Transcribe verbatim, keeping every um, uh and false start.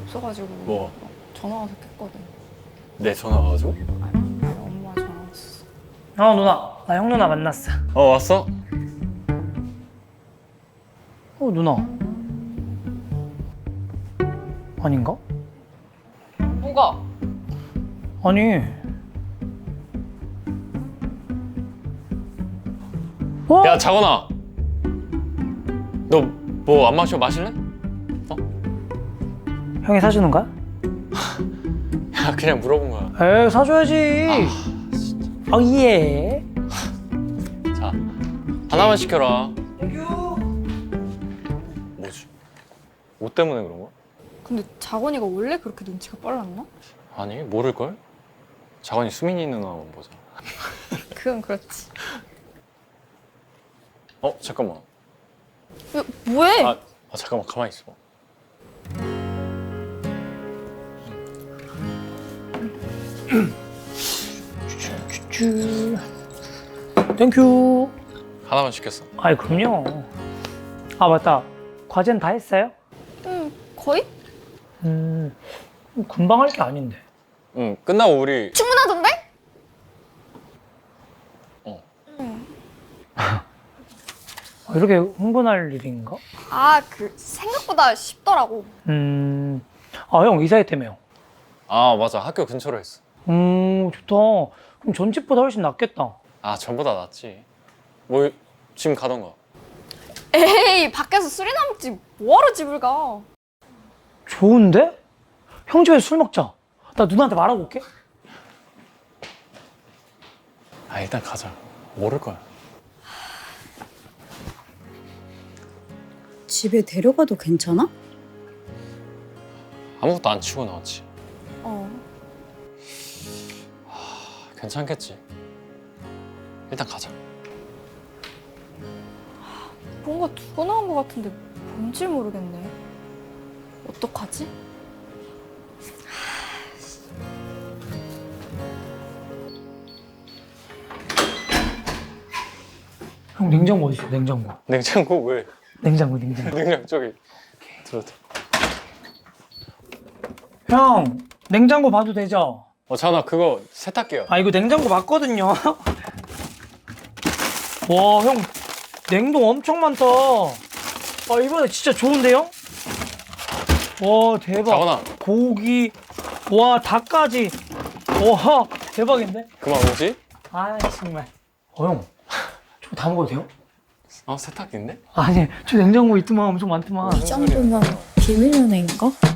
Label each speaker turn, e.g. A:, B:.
A: 없어가지고
B: 뭐?
A: 전화 와서 깼거든.
B: 내 전화 와가지고?
A: 아니, 아니 엄마 전화 왔었어.
C: 어 누나, 나 형 누나 만났어.
B: 어 왔어?
C: 어 누나 아닌가?
A: 뭐가?
C: 아니 어?
B: 야 자건아, 너 뭐 안 마셔? 마실래?
C: 형이 사주는 거야?
B: 야 그냥 물어본 거야.
C: 에이 사줘야지. 아, 아 예.
B: 자 하나만 시켜라.
C: 땡큐.
B: 뭐지? 옷 때문에 그런 거야?
A: 근데 자건이가 원래 그렇게 눈치가 빨랐나?
B: 아니 모를걸? 자건이 수민이 누나만 보자.
A: 그건 그렇지.
B: 어 잠깐만.
A: 야, 뭐해?
B: 아, 아 잠깐만 가만히 있어.
C: 쭈. 땡큐.
B: 하나만 시켰어.
C: 아이 그럼요. 아 맞다. 과제는 다 했어요?
A: 응, 거의?
C: 음 금방 할 게 아닌데.
B: 응 끝나고 우리
A: 충분하던데?
B: 어
A: 응.
C: 아, 이렇게 흥분할 일인가?
A: 아, 그 생각보다 쉽더라고.
C: 음. 아 형 이사했다며요.
B: 아 맞아 학교 근처로 했어.
C: 음 좋다. 그럼 전집보다 훨씬 낫겠다.
B: 아 전보다 낫지. 뭐 지금 가던가.
A: 에이, 밖에서 술이나 먹지 뭐하러 집을 가?
C: 좋은데? 형 집에서 술 먹자. 나 누나한테 말하고 올게.
B: 아 일단 가자. 모를 거야.
D: 집에 데려가도 괜찮아?
B: 아무것도 안 치고 나왔지.
A: 어.
B: 괜찮겠지. 일단 가자.
A: 뭔가 두고 나온 것 같은데 뭔지 모르겠네. 어떡하지?
C: 형 냉장고 어디 있어? 냉장고.
B: 냉장고 왜?
C: 냉장고 냉장고.
B: 냉장 저기 들어도.
C: 형 냉장고 봐도 되죠?
B: 어 자나 그거 세탁기야.
C: 아 이거 냉장고 맞거든요. 와 형 냉동 엄청 많다. 아 이번에 진짜 좋은데요? 와 대박.
B: 자건아
C: 고기 와 닭까지. 와 대박인데?
B: 그만 오지?
C: 아 정말. 어 형 저거 다 먹어도 돼요?
B: 어 세탁기인데?
C: 아니 저 냉장고 있더만 엄청 많더만.
D: 이 정도면 비밀연애인가?